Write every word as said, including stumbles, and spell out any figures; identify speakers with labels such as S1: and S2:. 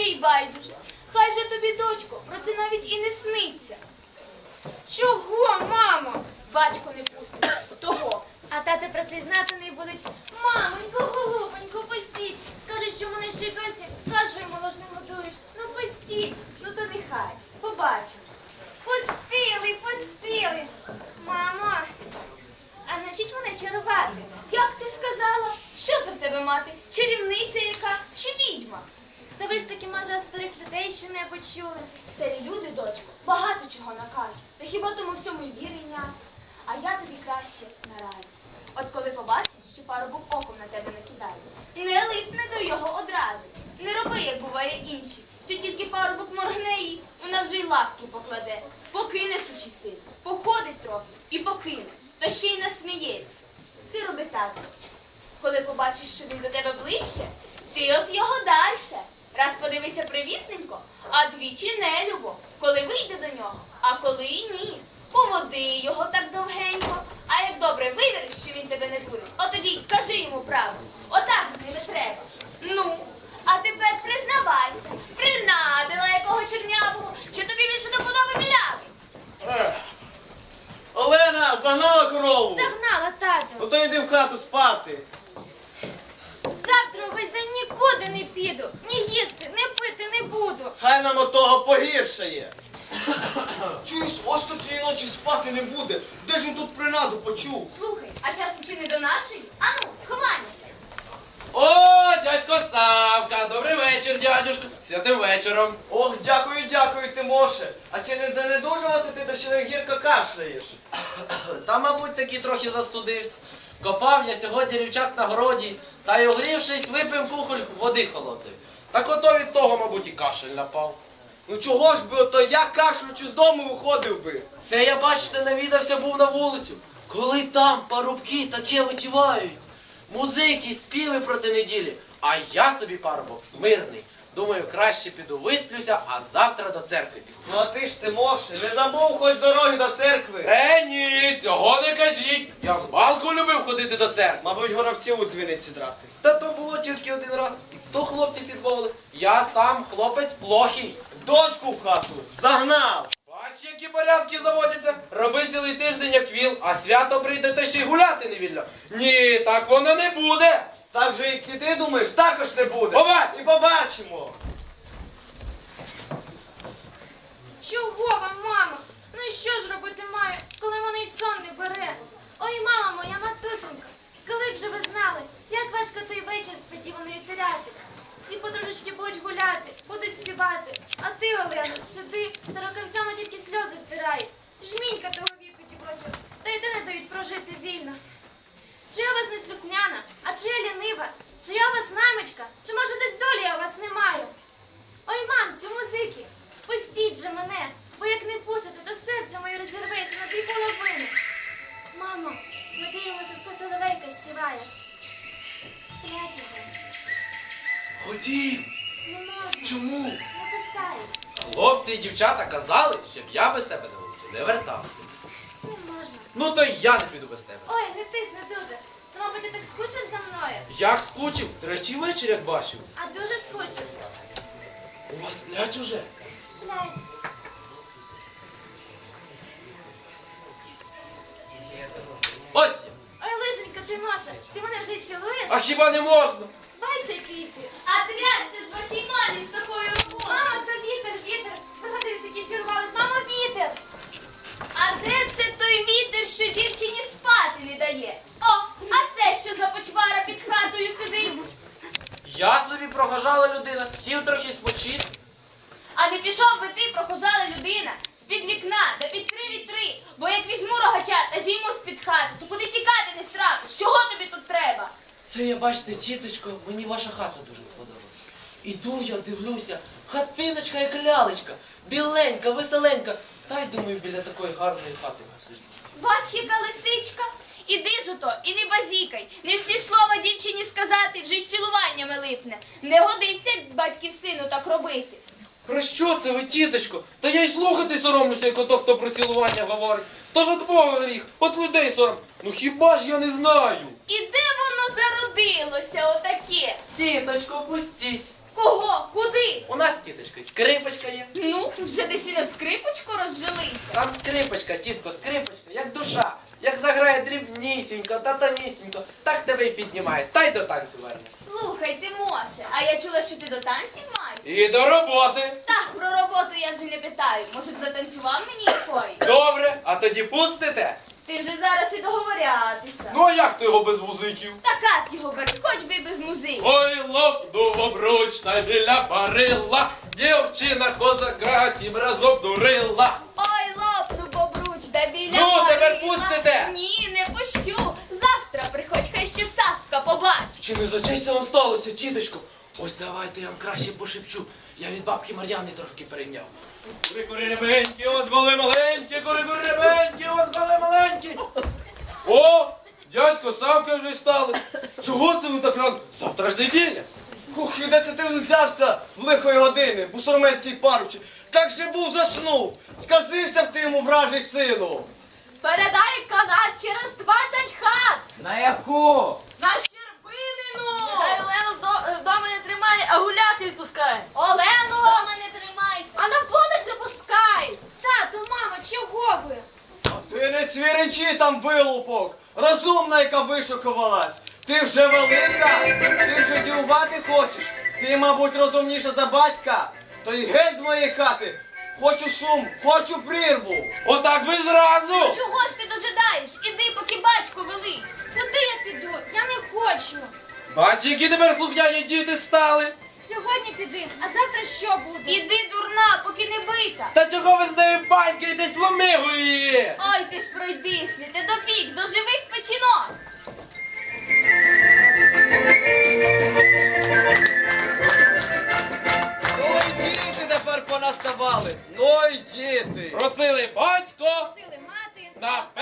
S1: їй байдуже. Хай же тобі, дочко, про це навіть і не сниться.
S2: Чого, мамо?
S1: Батько не пустить того. А тата про це й знати не будуть. Мамонько, голубонько, пустіть. Каже, що мене ще й досі кашею молочну готують. Ну пустіть, ну то нехай. Побачимо. Пустили, пустили. Мамо, а навчіть мене чарувати. Як ти сказала? Що це в тебе мати? Чарівниця яка чи відьма? Та ви ж таки, може, старих людей ще не почули. Старі люди, дочко, багато чого накажуть. Та хіба тому всьому й вірення? А я тобі краще нараджу. От коли побачиш, що парубок оком на тебе накидає, не липне до його одразу. Не роби, як буває інші, що тільки парубок моргне їй, вона вже й лапки покладе. Покине сучі сил, походить трохи і покине, та ще й насміється. Ти роби так, дочко. Коли побачиш, що він до тебе ближче, ти от його дальше. Раз подивися привітненько, а двічі нелюбо, коли вийде до нього, а коли і ні. Поводи його так довгенько, а як добре вивіриш, що він тебе не дурить, от тоді кажи йому правду. Отак з ними треба. Ну, а тепер признавайся, принадила якого чернявого, чи тобі більше до подоби білявий?
S3: Ех. Олена, загнала корову?
S2: Загнала, тату.
S3: Ну то йди в хату спати.
S2: Завтра увесь день нікуди не піду. Ні їсти, ні пити не буду.
S3: Хай нам от того погіршає. Чуєш, ось тут цієї ночі спати не буде. Де ж він тут принаду почув?
S1: Слухай, а часом чи не до нашої? Ану, сховаймося.
S4: О, дядько Савка, добрий вечір, дядюшко, святим вечором.
S3: Ох, дякую, дякую, Тимоше. А чи не занедужувати ти, то ще гірко кашляєш?
S4: Та, мабуть, таки трохи застудився. Копав я сьогодні рівчак на городі, та й огрівшись, випив кухоль води холодної. Так ото від того, мабуть, і кашель напав.
S3: Ну чого ж би, ото я кашлючи з дому виходив би?
S4: Це я, бачите, навідався був на вулицю. Коли там парубки таке витівають. Музики, співи проти неділі. А я собі, парубок, смирний. Думаю, краще піду висплюся, а завтра до церкви піду.
S3: Ну а ти ж, Тимоше, не забув хоч дороги до церкви.
S4: Е, ні, цього не кажіть. Я з малку любив ходити до церкви.
S3: Мабуть, горобці у дзвіниці драти.
S4: Та то було тільки один раз. То хлопці підмовили. Я сам хлопець плохий.
S3: Дочку в хату загнав.
S4: Бач, які порядки заводяться. Роби цілий тиждень, як віл, а свято прийде, та ще й гуляти не вільно. Ні, так воно не буде.
S3: Так же, як і ти думаєш, також не буде.
S4: Побач!
S3: І побачимо.
S2: Чого вам, мамо? Ну і що ж робити маю, коли мене й сон не бере? Ой, мама моя, матусенька, коли б же ви знали, як важко той вечір сподіваної теряти. Всі подружечки будуть гуляти, будуть співати, а ти, Олено, сиди та рукавцями тільки сльози втирай. Жмінька того віку, дівочок, та й де не дають прожити вільно. Чи я вас не слухняна, а чи я лінива, чи я у вас наймичка, чи може десь долі я у вас не маю? Ой, мамцю, музики, пустіть же мене, бо як не пустите, то серце моє розірветься на дві половини. Мамо, ми дивимося, що соловейка співає. Сплять уже.
S4: Ходім.
S2: Не можна.
S4: Чому?
S2: Не пускають.
S4: Хлопці і дівчата казали, щоб я без тебе на вулицю не вертався.
S2: Не можна.
S4: Ну то й я не піду без тебе.
S2: Ой, не тисни дуже. Це, мабуть, ти так скучив за мною.
S4: Як скучив, третій вечір, як бачив.
S2: А дуже скучив.
S4: У вас сплять уже?
S2: Сплять.
S4: Ось я.
S2: Ой, лиженька, ти Маша, ти мене вже й цілуєш?
S4: А хіба не можна?
S2: Бач, який ти.
S1: А трясся ж вашій мамі з такою роботою.
S2: Мамо, то вітер, вітер. Ви години такі зірвались. Мамо, вітер.
S1: А де це той вітер, що дівчині спати не дає? О, а це що за почвара під хатою сидить?
S4: Я собі прохожала людина, сів трохи спочити.
S1: А не пішов би ти, прохожала людина, з-під вікна, да під три вітри, бо як візьму рогача та зійму з-під хати, то куди тікати не втрапиш? Чого тобі тут треба?
S4: Це я, бачите, тіточко, мені ваша хата дуже сподобалась. Іду я, дивлюся, хатиночка як лялечка, біленька, веселенька. Та й думаю, біля такої гарної хати посидіти.
S1: Бач, яка лисичка. Іди ж ото, і не базікай. Не вспіш слова дівчині сказати, вже з цілуваннями липне. Не годиться батьків сину так робити.
S4: Про що це ви, тіточко? Та я й слухати соромлюся, як ото, хто про цілування говорить. Тож от Бога гріх, от людей сором. Ну хіба ж я не знаю?
S1: І де воно зародилося отаке?
S4: Тіточко, пустіть.
S1: Кого? Куди?
S4: У нас, тіточко, скрипочка є.
S1: Ну, вже десь і на скрипочку розжилися.
S4: Там скрипочка, тітко, скрипочка, як душа. Як заграє дрібнісінько та тонісінько, так тебе й піднімає, та й до танцю верне.
S1: Слухай, ти може, а я чула, що ти до танців маєш.
S4: І до роботи.
S1: Так, про роботу я вже не питаю. Може б затанцював мені якої?
S4: Добре, а тоді пустите?
S1: Ти вже зараз і договорятися.
S4: Ну а як ти його без музиків?
S1: Та кат його бери, хоч би й без музики.
S4: Ой, лопнув обручна біля барила, дівчина козака сім разом дурила.
S1: Ой, лопну бобруч, да біля
S4: Ну, тепер
S1: горіла.
S4: пустите?
S1: Ні, не пущу. Завтра приходь, хай ще Савка побачить.
S4: Чи не за честь це вам сталося, тіточко? Ось давайте я вам краще пошепчу. Я від бабки Мар'яни трошки перейняв. Кури, кури, ребенькі, ось голи маленькі, кури, кури, ребенькі, ось голи маленькі. О, дядько, Савка вже стали. Чого це ви так рано? Завтра ж неділя.
S3: Ух, і де це ти взявся в лихої години, бусурменський парубче? Так же був заснув, сказився в ти йому вражий силу.
S1: Передай канат через двадцять хат.
S5: На яку?
S1: На Щербинину.
S2: Нехай Олену вдо- вдома не тримає, а гуляти відпускає.
S1: Олену дома не тримайте.
S2: А на вулицю пускай.
S1: Тату, мама, чого ви?
S3: А ти не цвіричи там, вилупок, розумна, яка вишукувалась. Ти вже велика, ти вже дівувати хочеш. Ти, мабуть, розумніша за батька. То й геть з моєї хати. Хочу шум, хочу прірву.
S4: Отак ви зразу.
S1: Чого ж ти дожидаєш? Іди, поки батько велить. Куди я піду? Я не хочу.
S4: Бач, які тепер слухняні діти стали.
S1: Сьогодні піди, а завтра що буде? Іди, дурна, поки не бита.
S4: Та чого ви з нею банькаєтесь, ломигою її?
S1: Ой, ти ж пройди, світе, допік, до живих печінок.
S3: Ну й діти тепер понаставали. Ну й діти.
S4: Просили батько
S1: Сили мати.
S4: на